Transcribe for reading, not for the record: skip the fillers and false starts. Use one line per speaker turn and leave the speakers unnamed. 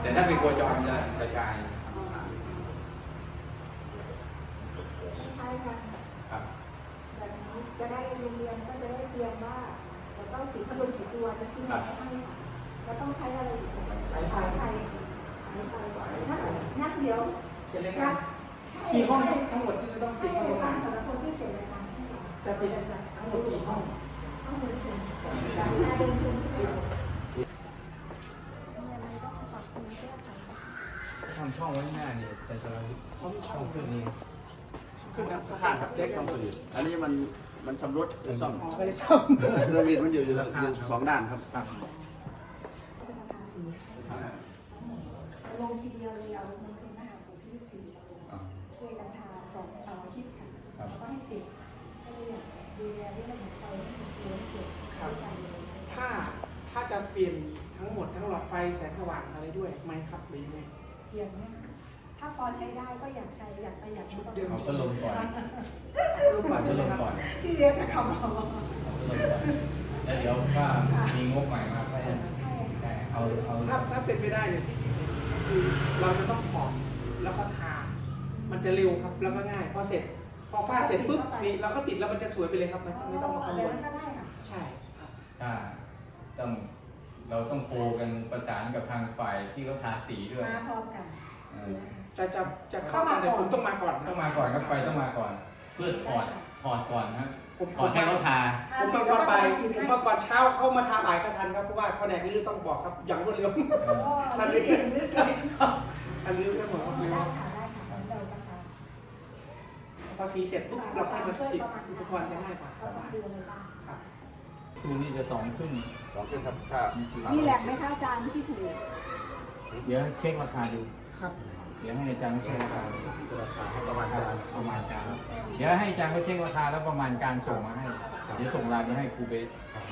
แต่ถ้าเป็นโคจรจะกระจาย
ใช่ค่ะ
ครับ
แบบนี้จะได้โรงเรียนก็จะได้เตรียมว่าจะต้องติดพัดลมกี่ตัวจะซื้อมาให้ค่ะแล้วต้องใช้อะไรอีกสายไฟนักเดี๋ยว
เขียนรายการกี่ห้องทั้งหมดที่จะต้องติ
ให้
ด
ทา
เข้าง มา
สำหรับคนที่เขียนรายการ
จะติดทั้งหมดกี่ห้อง
ต้องเดินชมเดินชมที่ไหนอะไรก็ปรับปรุงแก้ไข
ทำช่องไว้หน้านี่แต่สำหรับ
เขามีช่
ช่
อ
อง งขึ้นนี้
ขึ้นนะ
ข้างครับแจ็คช่องสวิตช์อันนี้มันชำรุดหรือซ่อม
อ๋อไม่ได้ซ่อม
สวิตช์มันอยู่สองด้านครับ
ครับ
จะมาทาสีลงทีเดียวเลยเอาเงินคืนนะคะของพี่สีช่วยกันทา2 เสาร์อาทิตย์ค่ะแล้วก็ให้เสร็จก็เลยอยากดูแลเรื่องของไฟให้มันเสร็จ
ครับ
กันเลย
ถ้าจะเปลี่ยนทั้งหมดทั้งหลอดไฟแสงสว่างอะไรด้วยไหมครับหรือยังไง
เปลี่ยนเนี่ยถ้าพอใช้ได้ก็อยากใช้อยากประหยัดชุดเดิม
เอาพัดลมก่อน
รูปก่อน
พั
ใช่
ด
ไห
ล
ม
ม
ครับ
ก่อน
พี่เรียนจะคำบอก
เอาพัดลมก่อนแล้วเดี๋ยวก็มีงบใหม่มาก็จะ
ใช่ค่ะ
เอา
ถ้าเป็นไปได้เนี่ยคือเราจะต้องถอดแล้วก็ทา มันจะเร็วครับแล้วก็ง่ายพอเสร็จ พอฝ้าเสร็จปุ๊บสีเราก็ติดแล้วมันจะสวยไปเลยครับไม่ต้องมากังวล
ก็ได้ค่ะ
ใช่ครับ
ถ้าต้องเราต้องโคกันประสานกับทางฝ่ายที่เขาทาสีด้วย
มาพร้อมกัน
จะเข้ามาแต่ผมต้องมาก่อน
ต้องมาก่อนครับไฟต้องมาก่อน เพื่อถอดก่อนนะครับ
ผม
ถอดให้เขาทา
ผมมาก่อนไปผมมาก่อนเช้าเข้ามาทาบ่ายก็ทันครับเพราะว่าแผนกลื้อต้องบอกครับอย่างรวดเร็ว
ทันนี้นึกเอง
อันลื้อก็หมดครับ
ได้ค่ะได้ค่ะเราประสาน
พอสีเสร็จปุ๊บเราค่อยมาติดอุปกรณ์จะง่ายกว่า
เราต้องซื้ออะไรบ้าง
ครับ
ซูนี่จะสองขึ้น
สองขึ้นครับถ้า
มีแหลกไหมคะอาจารย์ที่ถูก
เดี๋ยวเช็คราคาดู
ครับ
เดี๋ยวให้อาจารย์เขาเช็คราคา
ราคาให้ประมาณ
ค
การ
ประมาณการเดี๋ยวให้อาจารย์เขาเช็คราคาแล้วประมาณการส่งมาให้ เดี๋ยวส่งรายไปให้ครูเบส
ค